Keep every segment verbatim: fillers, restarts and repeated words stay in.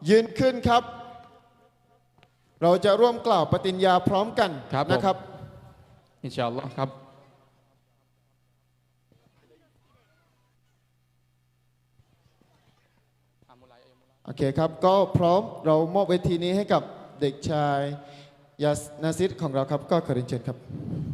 ยืนขึ้นครับ เราจะร่วมกล่าวปฏิญญาพร้อมกันนะครับอินชาอัลลอฮ์ครับโอเคครับก็พร้อมเรามอบเวทีนี้ให้กับเด็กชายยาสนาซิดของเราครับก็ขอเรียนเชิญครับ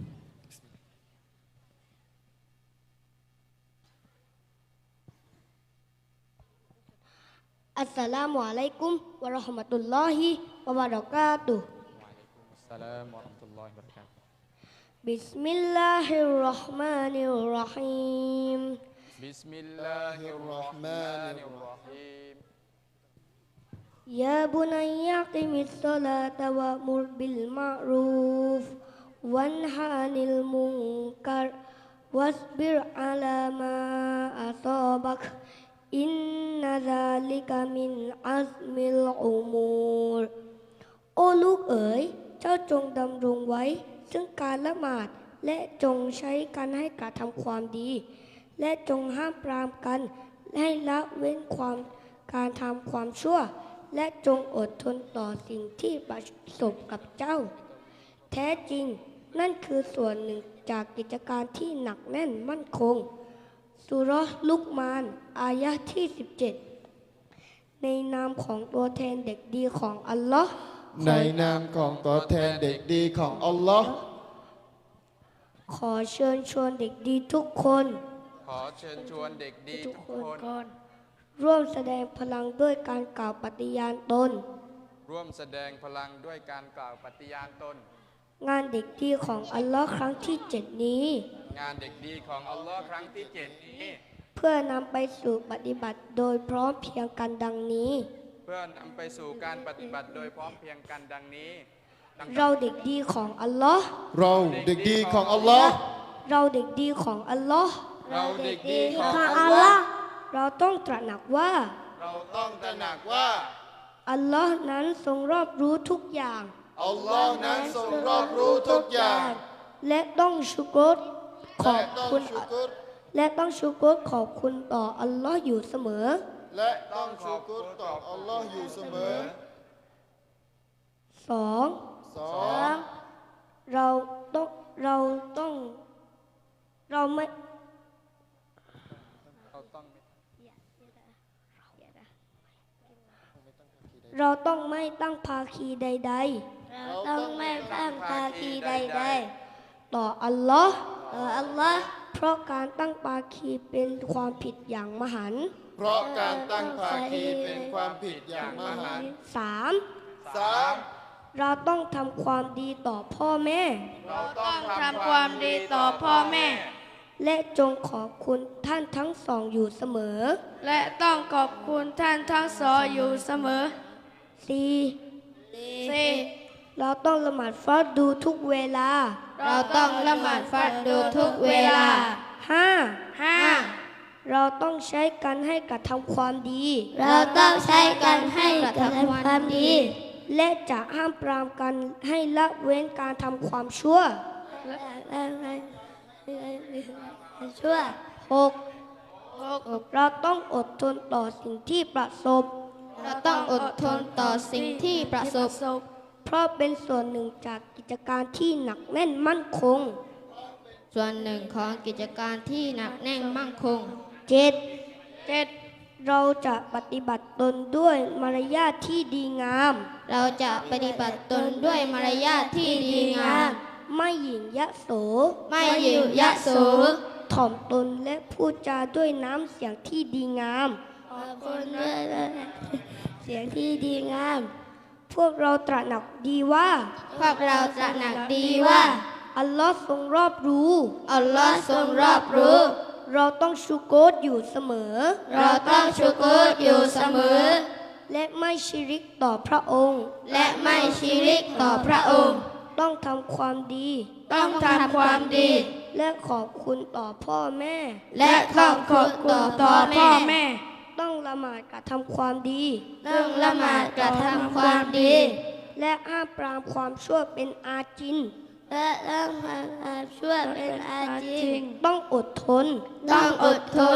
อัสสลามุอะลัยกุมวะเราะห์มะตุลลอฮิวะบะเราะกาตุฮ์อัสสลามุอะลัยกุมวะเราะห์มะตุลลอฮิวะบะเราะกาตุฮ์บิสมิลลาฮิรเราะห์มานิรเราะฮีมบิสมิลลาฮิรเราะห์มานิรเราะฮีมยาบุนัยยะกิมิสศอลาตะวะมุรบิลมะรูฟวันฮานิลมุนกัรวัสบิรอะลามาอะซอบักอินนะซาลิกะมินอัซมิลอุมูรโอ้ลูกเอ๋ยเจ้าจงดำรงไว้ซึ่งการละหมาดและจงใช้กันให้กระทำความดีและจงห้ามปรามกันให้ละเว้นความการทำความชั่วและจงอดทนต่อสิ่งที่ประสบกับเจ้าแท้จริงนั่นคือส่วนหนึ่งจากกิจการที่หนักแน่นมั่นคงสุเราะห์ลุกมานอายะห์ที่สิบเจ็ดในนามของตัวแทนเด็กดีของอัลลอฮ์ในนามของตัวแทนเด็กดีของอัลลอฮ์ขอเชิญชวนเด็กดีทุกคนขอเชิญชวนเด็กดีทุกคนร่วมแสดงพลังด้วยการกล่าวปฏิญาณตนร่วมแสดงพลังด้วยการกล่าวปฏิญาณตนงานเด็กดีของอัลลอฮ์ครั้งที่เจ็ดนี้งานเด็กดีของอัลลอฮ์ครั้งที่เจ็ดนี้เพื่อนำไปสู่ปฏิบัติโดยพร้อมเพรียงกันดังนี้เพื่อนำไปสู่การปฏิบัติโดยพร้อมเพรียงกันดังนี้เราเด็กดีของอัลลอฮ์เราเด็กดีของอัลลอฮ์เราเด็กดีของอัลลอฮ์เราเด็กดีของอัลลอฮ์เราต้องตระหนักว่าเราต้องตระหนักว่าอัลลอฮ์นั้นทรงรอบรู้ทุกอย่างอัลลอฮ์นั้นทรงรอบรู้ทุกอย่างและต้องชุกรขอบคุณและต้องชุกรขอบคุณต่ออัลลอฮ์อยู่เสมอและต้องชุกรต่ออัลลอฮ์อยู่เสมอสองสองเราต้องเราต้องเราไม่เราต้องไม่ตั้งภาคีใดๆเราต้องไม่ตั้งภาคีใดๆต่ออัลลอฮ์ต่ออัลลอฮ์เพราะการตั้งภาคีเป็นความผิดอย่างมหันต์เพราะการตั้งภาคีเป็นความผิดอย่างมหันต์สามสามเราต้องทำความดีต่อพ่อแม่เราต้องทำความดีต่อพ่อแม่และจงขอบคุณท่านทั้งสองอยู่เสมอและต้องขอบคุณท่านทั้งสองอยู่เสมอสี่สี่เราต้องละหมาดฟัรดูทุกเวลาเราต้องละหมาดฟัรดูทุกเวลาห้าห้าเราต้องใช้กันให้กระทำความดีเราต้องใช้กันให้กระทำความดีและจะห้ามปรามกันให้ละเว้นการทำความชั่วชั่วหกเราต้องอดทนต่อสิ่งที่ประสบเราต้องอดทนต่อสิ่งที่ประสบเพราะเป็นส่วนหนึ่งจากกิจการที่หนักแน่นมั่นคงส่วนหนึ่งของกิจการที่หนักแน่นมั่นคงเจ็ดเจ็ดเราจะปฏิบัติตนด้วยมารยาทที่ดีงามเราจะปฏิบัติตนด้วยมารยาทที่ดีงามไม่หยิ่งยโสไม่หยิ่งยโสถ่อมตนและพูดจาด้วยน้ำเสียงที่ดีงามขอบคุณด้วยเสียงที่ดีงามพวกเราตระหนักดีว่าพวกเราตระหนักดีว่าอัลลอฮ์ทรงรอบรู้อัลลอฮ์ทรงรอบรู้เราต้องชูโกรอยู่เสมอเราต้องชูโกรอยู่เสมอและไม่ชิริกต่อพระองค์และไม่ชิริกต่อพระองค์ต้องทำความดีต้องทำความดีและขอบคุณต่อพ่อแม่และขอบคุณต่อพ่อแม่ต้องละหมาดกระทำความดีต้องละหมาดกระทำความดีและห้ามปรามความชั่วเป็นอาจินและต้องห้ามความชั่วเป็นอาจินต้องอดทนต้องอดทน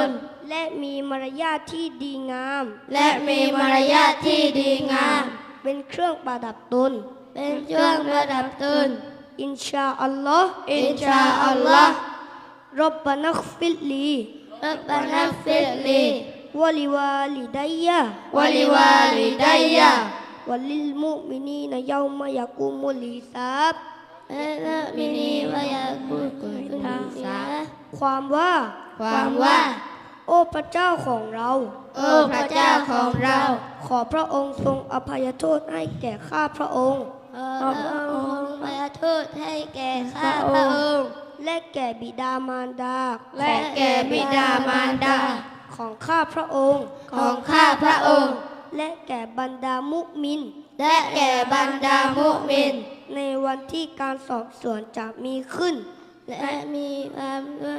และมีมารยาทที่ดีงามและมีมารยาทที่ดีงามเป็นเครื่องประดับตนเป็นเครื่องประดับตนอินชาอัลลอฮ์อินชาอัลลอฮ์รับบานักฟิลลีรับบานักฟิรลีวะลิวาลิดัยยะวะลิวาลิดัยยะวะลิลมุมินีนยาวมะยะกุมุลิซาบและละมินีวะยากุกุลทางสาความว่าความว่าโอ้พระเจ้าของเราโอ้พระเจ้าของเราขอพระองค์ทรงอภัยโทษให้แก่ข้าพระองค์ขอพระองค์ประโทษให้แก่ข้าพระองค์และแก่บิดามารดาและแก่บิดามารดาของข้าพระองค์ของข้าพระองค์และแก่บรรดามุมินและแก่บรรดามุมินในวันที่การสอบสวนจะมีขึ้นและมีความด้วย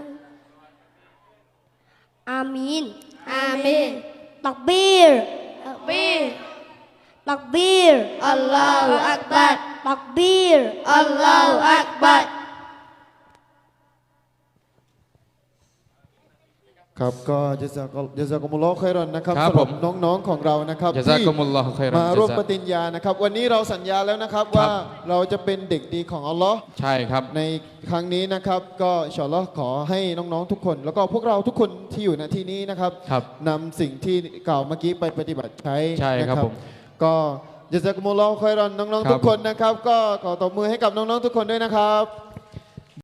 อามีนอามีนตักบีรตักบีรตักบีรอัลลอฮฺอักบัรตักบีรอัลลอฮฺอักบัรครับก็จะซากจะซากุมุลลอฮ์คอยรอนนะครับครับสำหรับผมน้องๆของเรานะครับจาซากุมุลลอฮุค็อยรอนมาร่วมจาซาปฏิญญานะครับ วันนี้เราสัญญาแล้วนะครับครับว่าเราจะเป็นเด็กดีของอัลลอฮ์ใช่ครับในครั้งนี้นะครับ ก็อินชาอัลลอฮ์ขอให้น้องๆทุกคน แล้วก็พวกเราทุกคนที่อยู่ณที่นี้นะครับครับนำสิ่งที่กล่าวเมื่อกี้ไปปฏิบัติใช้ใช่ครับนะผมก็จะซากุมุลลอฮ์คอยรอนน้องครัๆบทุกคนนะครับ ก็ขอตบมือให้กับน้องๆทุกคนด้วยนะครับ